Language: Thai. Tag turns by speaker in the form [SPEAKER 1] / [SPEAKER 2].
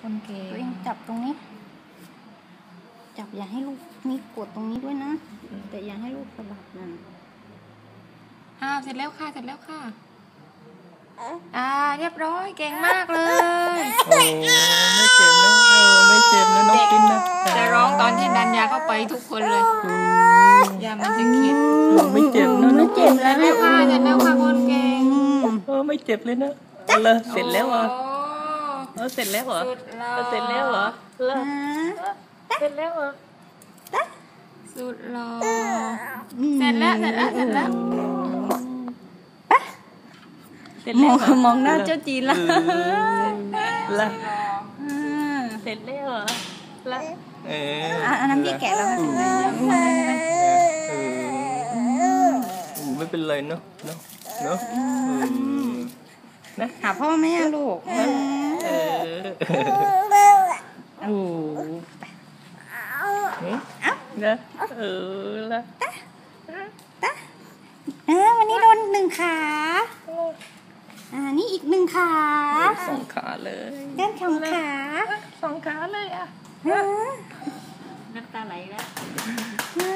[SPEAKER 1] คนเก่ง
[SPEAKER 2] ตัวเองจับตรงนี้จับอย่าให้ลูกนี่กดตรงนี้ด้วยนะแต่อย่าให้ลูกสะบัดนั่น
[SPEAKER 1] เสร็จแล้วค่ะเรียบร้อยเก่งมากเลย
[SPEAKER 3] โอ้ไม่เจ็บนะไม่เจ็บนะน้องปิ้นนะ
[SPEAKER 1] จะร้องตอนที่ดันยาเข้าไปทุกคนเลยยามันจะคิด
[SPEAKER 3] ไม่เจ็บนะ
[SPEAKER 2] ไม่เจ็บแล้วนะ
[SPEAKER 1] ค่ะเสร็จแล้วค่ะคนเก่ง
[SPEAKER 3] ไม่เจ็บเลยนะเสร็จแล้วอ่ะเสร็จแล้วเหรอเสร็จแล้วเหรอเสร็จแล้วเหรอ
[SPEAKER 1] สุดหล่อเสร็จแล้ว
[SPEAKER 2] มองหน้าเจ้าจีนละ
[SPEAKER 3] เสร็จแล้วเหรอ
[SPEAKER 2] อันนั้นพี่แกะแล้ว
[SPEAKER 3] ไม่เป็นไรเนาะ
[SPEAKER 2] นะหาพ่อแม่ลูก
[SPEAKER 3] นะ
[SPEAKER 2] วันนี้โดน1 ขานี่อีก1 ขา
[SPEAKER 3] 2 ขาเลย
[SPEAKER 2] ด้าน2 ขา
[SPEAKER 3] 2 ขาเลยอ่ะ
[SPEAKER 1] น้ำตาไหลแล้ว